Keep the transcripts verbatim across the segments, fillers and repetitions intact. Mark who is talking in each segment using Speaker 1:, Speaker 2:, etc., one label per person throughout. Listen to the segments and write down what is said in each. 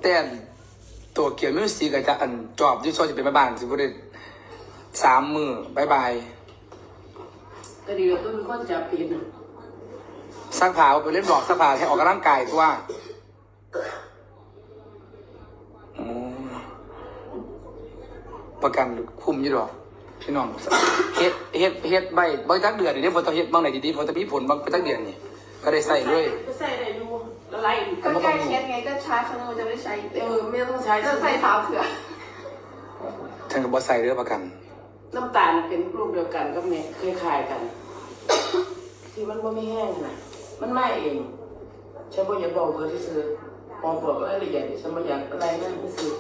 Speaker 1: แต่ตัวเกี่ยวมิวสิกกับจะอันจอบที่ชอบจะเป็นบ้านสิบุได้สามมือบายบาย
Speaker 2: ก็ดีก็มีคนจับผิดนะ
Speaker 1: ซักผ้าไปเล่นบอกซักผ้าให้ออกกำลังกายตัวประกันคุ้มยี่ดอกพี่น้องเฮ็ดเฮ็ดเฮ็ดใบบางจักเดือนนี่ได้ผลต่อเฮ็ดบางไหนดีๆผลต่อมีผลบางจักเดือนนี่ก็ได้ใส่ด้วย
Speaker 2: ก็ใส่ได้ดูละลาย
Speaker 3: ก็แก้เคสไงก็ใช้ครั้งนึงมันจะไม่ใช้
Speaker 2: เออไม่ต้องใช้
Speaker 3: จะใส่สาวเถื่อ
Speaker 1: ฉันก็บ่ใส่เด้อประกัน
Speaker 2: น้ำตาลเป็นรูปเดียวกันก็เนี่ยคล้ายๆกันที่มันไม่แห้งนะมันไม่เองฉันบอกอย่าบอกเบอร์ที่ซื้อมองบอกอะไรอย่างนี้ฉันไม่อยากอะไรนั่นไม่ซื้อ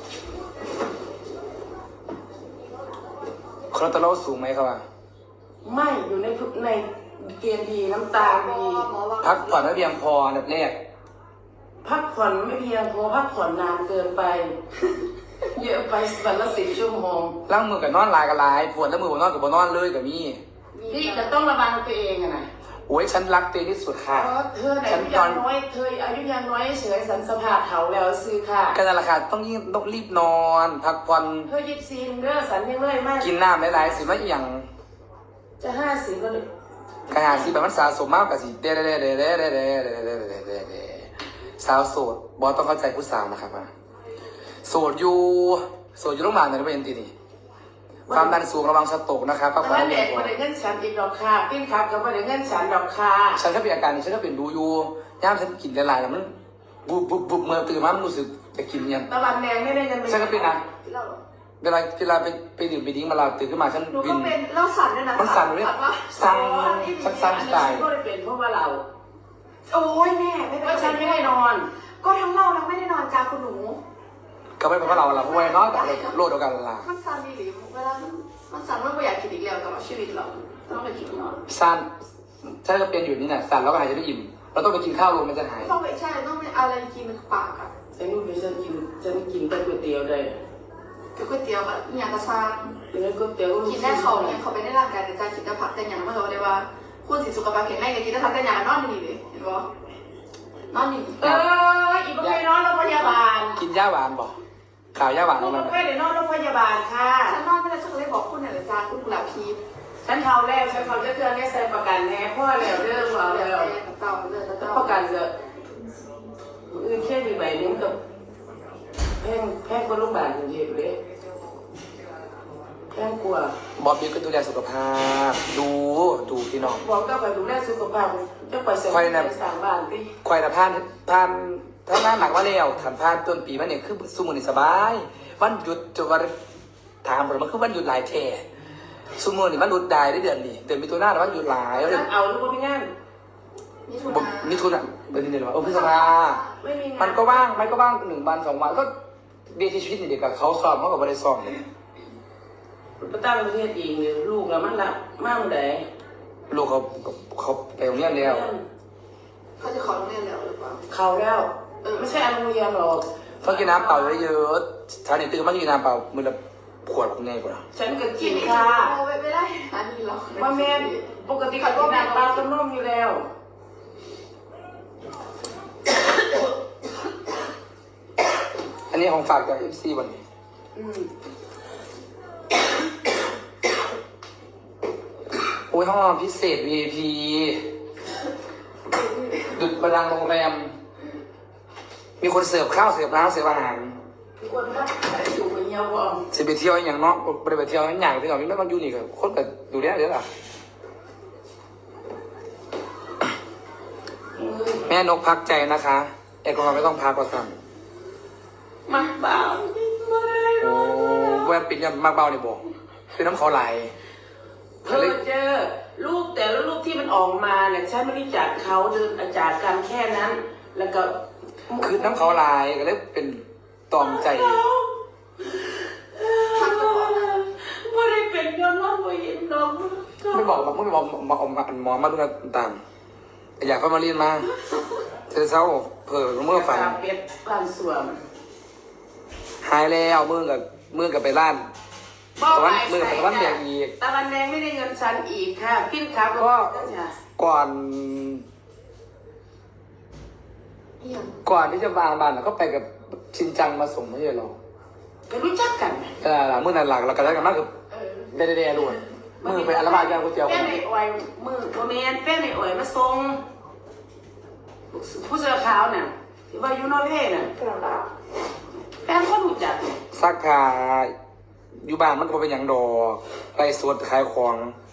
Speaker 1: คอเลสเตอรอลสูงไหมครับว่า
Speaker 2: ไม่อยู่ในในเกณฑ์ดีน้ำตาลดี
Speaker 1: พักผ่อนไม่เพียงพออันดับแรก
Speaker 2: พักผ่อนไม่เพียงพอพักผ่อนนานเกินไปเยอะไปวันละสิบชั่วโมง
Speaker 1: ล้างมือกับนอนลายกับลายปวดแล้วมือบนนอนกับบนนอนเลยกับมี่
Speaker 2: นี่จะต้องระวังตัวเองอะนะ
Speaker 1: โอ้ยฉันรักตัวเองที่สุดค่ะ
Speaker 2: เธออายุยังน้อยเธออายุยังน้อยเฉยสันสภาพเถาแล้วซื้อค่ะ
Speaker 1: กันนั่นแหละค่ะต้องยิ่งต้องรีบนอนพักผ่อน
Speaker 2: เธอยิบซีนเด้อสันยังเลยมาก
Speaker 1: กินน้ำหลายๆสิว่าอย่าง
Speaker 2: จะห้าสิบก็เลย
Speaker 1: กระหาสิแบบมันสะสมมากกว่าสิเด้เด้เด้เด้เด้เด้เด้เด้เด้เด้เด้สาวโสดบอสต้องเข้าใจผู้สาวนะครับว่าโสดอยู่โสดอยู่โรงพยาบาลไหนไม่เห็นทีนี่ความดันสูงระวังสโตรกนะครับ
Speaker 2: พักผ่อนเด็กมาได้เงินฉันอีกดอกค่ะปิ้นครับก็มาได้เงินฉันดอกค่ะ
Speaker 1: ฉันก็เป็นอาการนี้ฉันก็เป็นดูอยู่ย่ามฉันกินหลายๆแล้วมันบุบบุบบุบเมื่อตื่นมามันรู้สึกจะกินยัง
Speaker 2: ตะวันแดงไม่ได้เงิน
Speaker 1: ฉันก็เป็นนะเวลาเวลาไปไปดื่มไปดิ้งมาเราตื่นขึ้นมาฉัน
Speaker 3: วินเราสั่นด้วยนะ
Speaker 1: มันสั่นเลยสั่นสั่นสั่นตาย
Speaker 2: ก็เลยเป็นเพราะว่าเรา
Speaker 3: โอ้ยแม่ไม่เป็น
Speaker 2: ฉันไม่ได้นอน
Speaker 3: ก็ทั้งเราทั้งไม่ได้นอนจ้าคุณหนู
Speaker 1: ก็ไม่เป็นเพราะเราเราเพราะว่าน้อยแต่โลดเดียวกันละ
Speaker 3: มันสั่นดีหรือเวลามันสั่นมันไม่อยากกินอีกแล้วกับชีวิตเราต้องไปกินนอน
Speaker 1: สั่นฉันก็เป็นอยู่นี่นะสั่นแล้วก็หายใจไม่อิ่มเราต้องไปกินข้าวลงมันจะหาย
Speaker 3: ต้องไปใช่ต้องไปอะไรกินปากอ่ะ
Speaker 2: ฉันรู้ไหมฉันกินฉันกินแต่ก๋วยเตี๋ยวได้
Speaker 3: ก๋วยเตี๋ยวแบบอย่างกระซัง
Speaker 2: เป็นก๋วยเตี๋ยว
Speaker 3: กินได้เขาเนี่ยเขาไปได้ร่างกายแต่ใจกินแต่ผักแต่อย่างมันเขาเลยว่าคุณสิสุขภาพแข็งแรงกินได้ผักแต่อย่างนอนนี่เลยเห็นปะนอนนี่
Speaker 2: เอออีกไม่นอนโรงพยาบาล
Speaker 1: กินยาหวานบ่ข่าวยาหวาน
Speaker 2: มันไม่ได้นอนโรงพยาบาลค่ะ
Speaker 3: ฉันนอนไม่ได้ฉันเลยบอกคุณเนี่ยจ้าคุณกุหลาบพี
Speaker 2: ฉันเขาแล้วฉันเขาจะเตือนให้ใส่ประกันแน่พ่อแล้วเรื่องเราแล้ว
Speaker 3: เต่าเลยเต่า
Speaker 2: ประกันเยอะอื่นแค่ดีใบนึงกับแพงแพงกว่าโรงพยาบาลจริงๆเลยแพงกว่า
Speaker 1: บอบบี้ก็ดูแลสุขภาพดูดูพี่น้อง
Speaker 2: บอกก็ไปดูแลสุขภาพจะไปเสริมสร้างบ้านที่
Speaker 1: ควายนะพานพานถ้าหน้าหนักว่าแล้วถันพานต้นปีมันเนี่ยคือสมุนสบายวันหยุดจะวันถามมันคือวันหยุดหลายแท่สมุนนี่มันหยุดได้ได้เดือนนี้เดือนมีตัวหน้าแต่ว่าหยุดหลาย
Speaker 2: แล้วเอาหรือว่าไม่งั้น
Speaker 1: นี่ทุนอ่ะเป็นเดือนว่าโอ้พิศภามันก็ว่างมันก็ว่างหนึ่งวันสองวันก็เบี้ยชีวิตนี่เด็กกับเขาสอบเขากับบริษัทเลย
Speaker 2: ประตั้งประเทศเองเลยลูกเรามันละมากเลย
Speaker 1: ลูกเขาเขาไปโรงเรียนแล้ว
Speaker 3: เขาจะเขาโรงเรียนแล้วหรือเปล่า
Speaker 2: เขาแล้วไม่ใช่โรงเรียนหรอก
Speaker 1: เขากินน้ำเปล่าเยอะๆชาเนี่ยตื่นมากินน้ำเปล่ามือละขวดของไงกว่า
Speaker 2: ฉันก็กินค่ะ
Speaker 3: ไม่ได้อันนี้หรอก
Speaker 2: ว่าแม่ปกติเขาก็น้ำเปล่าต้มนมอยู่แล้ว
Speaker 1: อันนี้ของฝากจากเอฟซีวันนี้โอ้ยห้องพิเศษ วี ไอ พี ดุจบัลลังก์โรงแรมมีคนเสิร์ฟข้าวเสิร์ฟน้ำเสิร์ฟอาหาร
Speaker 2: มีคนพักอยู่ไปเที่ยวบ่
Speaker 1: เสิไปเที่ยวอย่างเนาะไปเที่ยวอย่างที่เราไม่ต้องอยู่นี่กับคนกับดูแลเดี๋ยวล่ะแม่นกพักใจนะคะแอลกอฮอล์ไม่ต้องพักก็สั่ง
Speaker 2: มักเบา
Speaker 1: โอ้แวบปิดยังมักเบาเนี่ยบอกคือน้ำเขาไหล
Speaker 2: เธอเจอรูปแต่ละรูปที่มันออกมาเนี่ยฉันไม่ได้จากเขาเดินอาจารย์กันแค่นั้นแล้วก็
Speaker 1: คือน้ำเขาไหลก็เลยเป็นตอมใจ
Speaker 2: ไม่ได้เป็นย้อนว่าไม่เห็นน้อง
Speaker 1: ไม่บอกไม่บอกมาอมกันหมอมาดูนะตามอยากเข้ามาเรียนมาเธอเศร้าเผลอเมื่อฝัน
Speaker 2: เป็ดบ้านสวม
Speaker 1: หายแล้วมือกับมือกับไปร้านตะวันมือกับตะวันแดงอีก
Speaker 2: ตะวันแดงไม่ได้เงินฉันอีกค่ะพิ้นขาก็
Speaker 1: ก่อนก่อนที่จะวางบ้านก็ไปกับชินจังมาส่งไม่ใช่หรอ
Speaker 2: ก็รู้จักกันไหม
Speaker 1: เออเมื่อนานหลักเราก็ได้กันมากกับ
Speaker 2: เออ
Speaker 1: เดเดๆด้วยมือไปอัลบาแกงก๋วยเตี๋ยว
Speaker 2: แฟนในออยมือโมเมนแฟนในออยมาส่งผู้เสื้อขาวน่ะที่ว่าอยู่นอร์เวย์น่ะแฟนก็รู้จัก
Speaker 1: ซักผ้าอยู่บ้านมันก็บ่เป็นอย่างดอกไล่สวดขายของ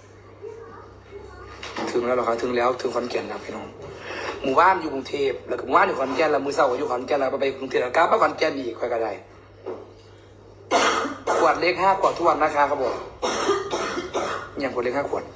Speaker 1: ถึงแล้วเหรอครับถึงแล้วถึงขอนแก่นแล้วพี่น้องหมู่บ้านอยู่กรุงเทพแล้วก็หมู่บ้านอยู่ขอนแก่นแล้วมือเสาร์ก็อยู่ขอนแก่นแล้วไปกรุงเทพแล้วกลับมาขอนแก่นอีกค่อยก็ได้ขวดเล็กห้าขวดทุกวันนะคะครับผมอย่างขวดเล็กห้าขวด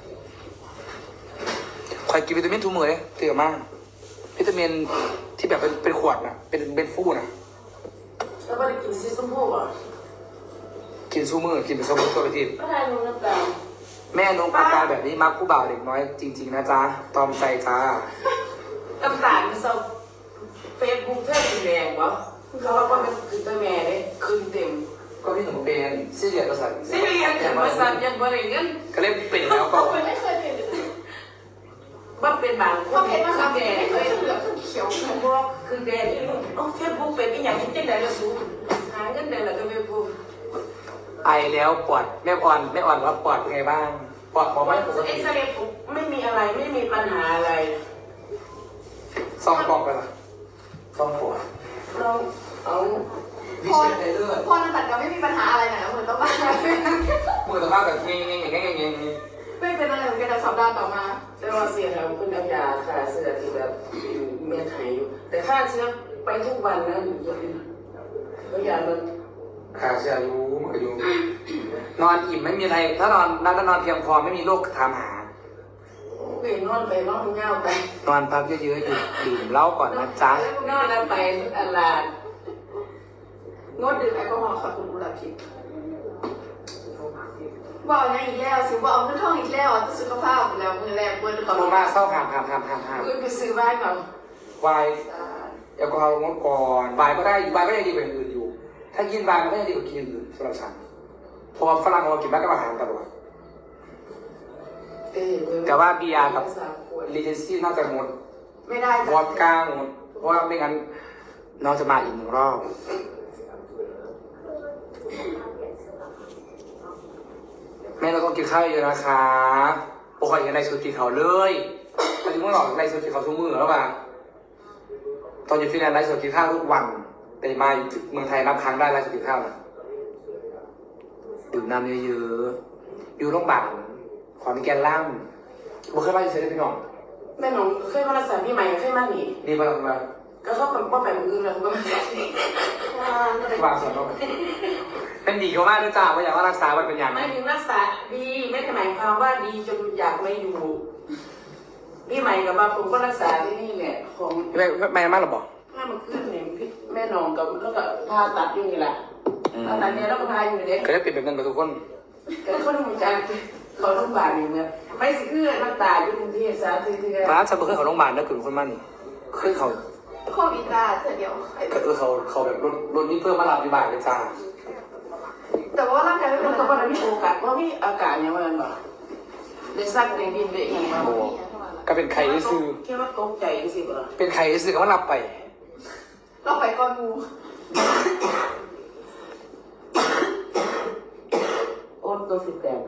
Speaker 1: คอยกินวิตามินทุกมื้อเลยเตือนมากวิตามินที่แบบเป็นเป็นขวดนะเป็นเป็นฟูนะ
Speaker 2: แล้วก็ได้กินซีซัมพูอ่ะ
Speaker 1: กินซูมือกินเป็นสมุนตัวไปที
Speaker 2: ก็ได้ลงน้ำตาล
Speaker 1: แม่น้องปากกาแบบนี้มักผู้บ่าวเด็กน้อยจริง ๆ นะจ๊ะตอมใจจ้า
Speaker 2: น้ำตาลมันเศร้าเฟซบุ๊กเท่าสีแดงวะเขาว่ามันคือตัวแม่เลยคืนเต็ม
Speaker 1: ก็พี่หนุ่มเป็นซีเรียสประสาท
Speaker 2: สิเรียนอย่างบริษัทยังบริเงิน
Speaker 1: ก็เล่นเป็นแล้วก็
Speaker 3: ไม่เคยเป็นเลย
Speaker 2: บ้าเป็นบางค
Speaker 3: เขา
Speaker 2: น
Speaker 3: เห็นมา
Speaker 2: คื
Speaker 3: ครั
Speaker 2: อบ แดง
Speaker 3: ไม่เค
Speaker 2: เลย ย
Speaker 3: เหลือขึ้นเขียว
Speaker 2: คือบอกคือแดงโอ้เฟซบุ๊กเป็นอีหยังที่จะได้ละสูงหาเงินได้ละก็ไม่พูด
Speaker 1: ไอแล้วปวดแม่อ่อนแม่อ่อนว่าปวดเป็นไงบ้างปวดพอไหมปก
Speaker 2: เอ็
Speaker 1: ติ
Speaker 2: กซเรย์ผมไม่มีอะไรไม่มีปัญหาอะไร
Speaker 1: ซองกองไปละซองปวด
Speaker 2: เราเอา
Speaker 1: วิ
Speaker 3: พอ
Speaker 1: เศษในเลือด
Speaker 3: พอนันตัดก็ไม่มีปัญหาอะไรนะเหมือนต้องมา
Speaker 1: มือตะบ้าแบบเงี้ยเงี้ยเงี้ยเงี้ยเงี้ย
Speaker 3: ไม่เป็นอะไรเหมือนกันแต่สัปดาห์ต่อมา
Speaker 2: แต่ว่าเสียแล้วคุณเอายาค่าเสื้อที่แบบเมียไทยอยู่ แต่ค่าเชื้อไปทุกวันนะอย่าลืมแล้วยามัน
Speaker 1: ขาเสียอยู่มันก็อยู่นอนอิ่มไม่มีอะไรถ้านอนนั่นนอนเพียงพอไม่มีโรคถามหา
Speaker 2: เวียนนอนไปนอนเงาไป
Speaker 1: นอนพักเยอะๆอยู่ดื่มเหล้าก่อนนะจ๊ะ
Speaker 2: นอนแล้วไปอันลาน
Speaker 3: งดดื่มแอลกอฮอล์ขอคุณบุหรี่ทิพย์บอกอย่างอีกแล้วสิว่าเอาเงินท่องอีกแล้วอ่ะสุขภาพแล้วมือแรงเปิดก่อน
Speaker 1: โมมาเศร้าหามหามหามหามหาม
Speaker 2: คุณไปซื้อบ้านก่อน
Speaker 1: วายแอลกอฮอล์งดก่อนวายก็ได้วายก็ยังดีกว่าอย่างอื่นอยู่ ถ้ากินวายมันก็ยังดีกว่ากินอย่างอื่นสำหรับฉันเพราะว่าฝรั่งเรากินมากกับอาหารตลอดแต่ว่าเบียร์กับลีเจนซี่น่าจะงด
Speaker 3: ไม่ได้
Speaker 1: วอดก้างดเพราะว่าไม่งั้นน้องจะมาอีกหนึ่งรอบแม่เราต้องกินข้าวเยอะนะคะโอ้ยยังไรสุดกินเขาเลยตอนนี้เมื่อหลอกไรสุดกินเขาทุกมื้อแล้วป่ะตอนอยู่ฟินแลนด์ไรสุดกินข้าวทุกวันแต่มาเมืองไทยนับครั้งได้ไรสุดกินข้าวนะดื่มน้ำเยอะๆอยู่โรงพยาบาลขอนแก่นล่างบุเคยไปเฉยๆพี่น้อง
Speaker 2: แม่หนูเคยมารักษาพี่ใหม่เคยมาหนี
Speaker 1: ดีมาแล้วมา
Speaker 2: ก็เขาเป็นป้าแปมอื่นแล้วก็มา
Speaker 1: วางส่วนลงไปเป็นดีเขามากด้วยจ้าว่าอยากว่ารักษามันเป็นอย่าง
Speaker 2: ไม่ถึงรักษาดีไม่ได้หมายความว่าดีจนอยากไม่อยู่พี่ใหม่กับมาผมก็รักษาที่นี่แหละของ
Speaker 1: ไม่ไม่ไม่มากหรอบอก
Speaker 2: แม่มันขึ้นเนี่ยพี่แม่นองกับแล้วก็ผ่าตัดอยู่นี่แหละผ่าตัดเนี่ยแล้วก็พาอยู่เด็ก
Speaker 1: เคยได้เปลี่ยนเป็นเงินกับทุกคน
Speaker 2: ก็คนเหมือนกันเขาต้องบาดอย่างเงี้ยไม่สิคือน้ำตาอยู่กรุงเทพสาธิตที่
Speaker 1: ร้านฉันเพิ่งเขาโรงพยาบาลนะคือคนมันนี่เคยเขา
Speaker 3: โควิดตาเดียว
Speaker 1: เออเขาเขาแบบรถรถนี้เพิ่มมาหลับอยู่บ่ายเลยจ้า
Speaker 3: แต่ว่าร่างกายไม่
Speaker 2: แล้
Speaker 3: เป็
Speaker 2: วน ก็
Speaker 3: ไร
Speaker 2: ว่ามีโอกาสว่ามีอากาศอย่างนั้นบ่ได้ซักในดินได้อย่างมา
Speaker 1: โอ้ก็เป็นไข่ซื้อ
Speaker 2: แค่ว่าตกใจสิบ่
Speaker 1: เป็นไข่ซื้อก็มาหลับไป
Speaker 3: เราไปก่อนงู
Speaker 2: โอนตัวสิบแปด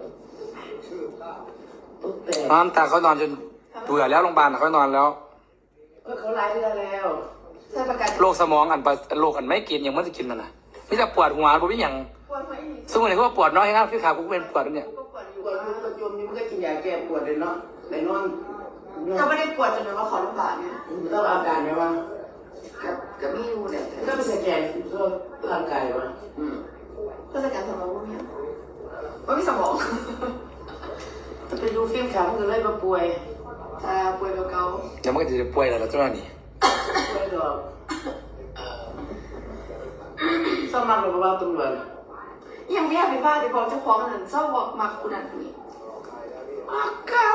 Speaker 2: ตุ๊กแต่
Speaker 1: น้ำตาเขานอนจนเบื่อแล้วโรงพยาบาลเขานอนแล้ว
Speaker 2: ก็เขาไล่เรือแล้ว
Speaker 3: ใช้ประกัน
Speaker 1: โรคสมองอันปะโรคอันไม่กินอย่างมันจะกินมันนะนี่จะปวดหัวผมไม่อย่าง
Speaker 3: ปวดหัวอีก
Speaker 1: ซึ่งวันนี้ก็ปวดน้อยครับที่ขากูเป็นปวดเนี่ย
Speaker 3: ก็ปวดอยู่
Speaker 2: ปวดมันก็จมนี่มันก็กินยาแก้ปวดเลยเนาะในนอน
Speaker 3: ก็ไม่ได้ปวดจนแบบว่าขอโรงพยาบาลเนี่ย
Speaker 2: ต้องอาการไหมว่า
Speaker 3: กับกับไม่รู้เนี่ย
Speaker 2: ก็ไปสแกนตัวร่างกายวะ
Speaker 3: ก็จะการสมองว่ามีว่ามีสมอง
Speaker 2: ไปดูฟิล์มขาวมันก็เลยมาป่วย
Speaker 3: จะป่วยเก่า
Speaker 1: เดี๋ยวมันก็จะป่วยแล้วเจ้าหน้านี่
Speaker 2: ป่วยหรอกสมัครหรือว่าตำรวจ
Speaker 3: ๆยังไม่อยากเป็นบ้าแต่บอกเจ้าของนั่นชอบบอกมาคุณนั่นคนนี้
Speaker 2: มาเก่า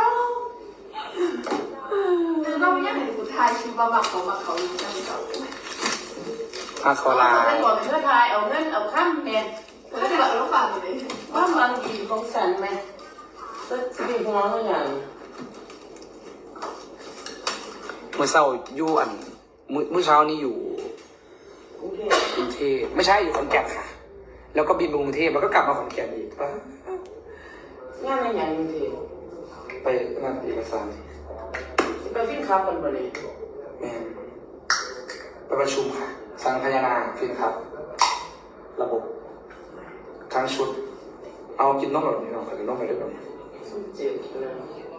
Speaker 3: แต่เราไม่อยากเห็นผู้ชายคิดว่ามักเขามักเขาอยู่นั่นเก่า
Speaker 1: อาคอลา
Speaker 2: เอาเงินก่อนเพื่อทายเอาเงินเอาข้ามเมน
Speaker 3: ก็จะแบบเราฟังอยู่เลย
Speaker 2: ว่ามันดีของฉันไหมก็ดีหัวเขาอย่าง
Speaker 1: เมื่อเช้าอยู่อันมื้อมื้อเช้านี้อยู่
Speaker 2: กรุงเทพ
Speaker 1: กรุงเทพไม่ใช่อยู่ขอนแก่นค่ะ แล้วก็บินไปกรุงเทพแล้วก็กลับมาขอนแก่นอีก
Speaker 2: งานในอย่างกรุงเทพ
Speaker 1: ไปงานเอกสาร
Speaker 2: ไปฟินครับกันบ่เลย
Speaker 1: แม่ไปประชุมค่ะสังพยานาฟินครับ ระบบทั้งชุด เอากินนมแบบนี้เนาะกินนมไปด้วยแบบ
Speaker 2: เจ็บนะ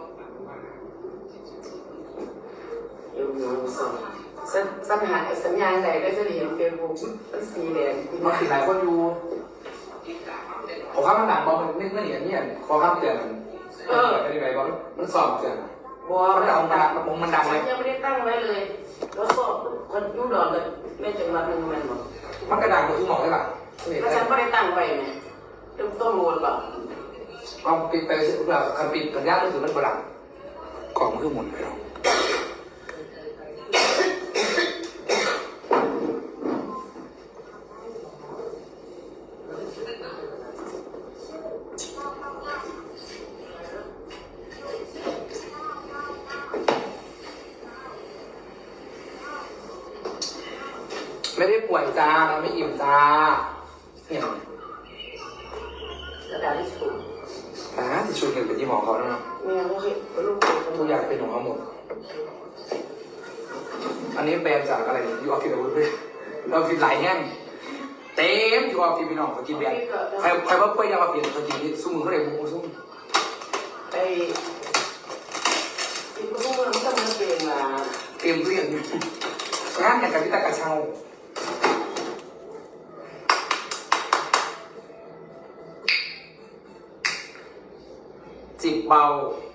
Speaker 2: เดี๋ยวหนูส่งสัญสัญหาสัญญาณใดก็จะเห็นเฟซบุ๊กมันสีแดง
Speaker 1: มันคือหลายคนอยู่ขอข้ามมันหนักบอลมันไม่ไม่เหนียนเนี่ยขอข้ามเตือนมันเออเป็นยังไงบอลมันสอบเตือน
Speaker 2: บัว
Speaker 1: มันดังมันมันมันดังเลย
Speaker 2: ยังไม่ได้ตั้งไว้เลย แล้วก็คนยุ่งดอนเลยแม่จังหวัดหนึ่งมันบอก
Speaker 1: มันกระดังมันคือหมอกได้ป่ะ
Speaker 2: แล้วฉันไม่ได้ตั้งไว้ไงต้องต้องรู้หรือเปล่า
Speaker 1: เอาปิดไปแบบคันปิดสัญญาณรู้สึกมันกระดังกล่องมันคือหมุนไปแล้วไม่ได้ป่วยจ้าเราไม่อิ่มจ้าเนี่ย
Speaker 2: กระดาษที่สูง
Speaker 1: อ่าที่ชุดเงินเป็นที่หมอเขาแล้วนะ
Speaker 2: แม่ก็เคยลูก
Speaker 1: ทุกอย่างเป็นของเขาหมด อันนี้แบรนด์จากอะไรยูออฟฟิศอาวุธด้วยเราฟิตไหลแห้งเต็มยูออฟฟิศพี่น้องเขากินแบรนด์ใครใครว่าเป้ยยามาเปลี่ยนเขากินนี่ซุ้มมือเขาเลยมุ้งซุ้ม
Speaker 2: ไอ้ที่ลูกมันต้องมาเปลี่ยนมา
Speaker 1: เตรียมเรียนงานอย่างกับพิตากระเช้าจิบเบา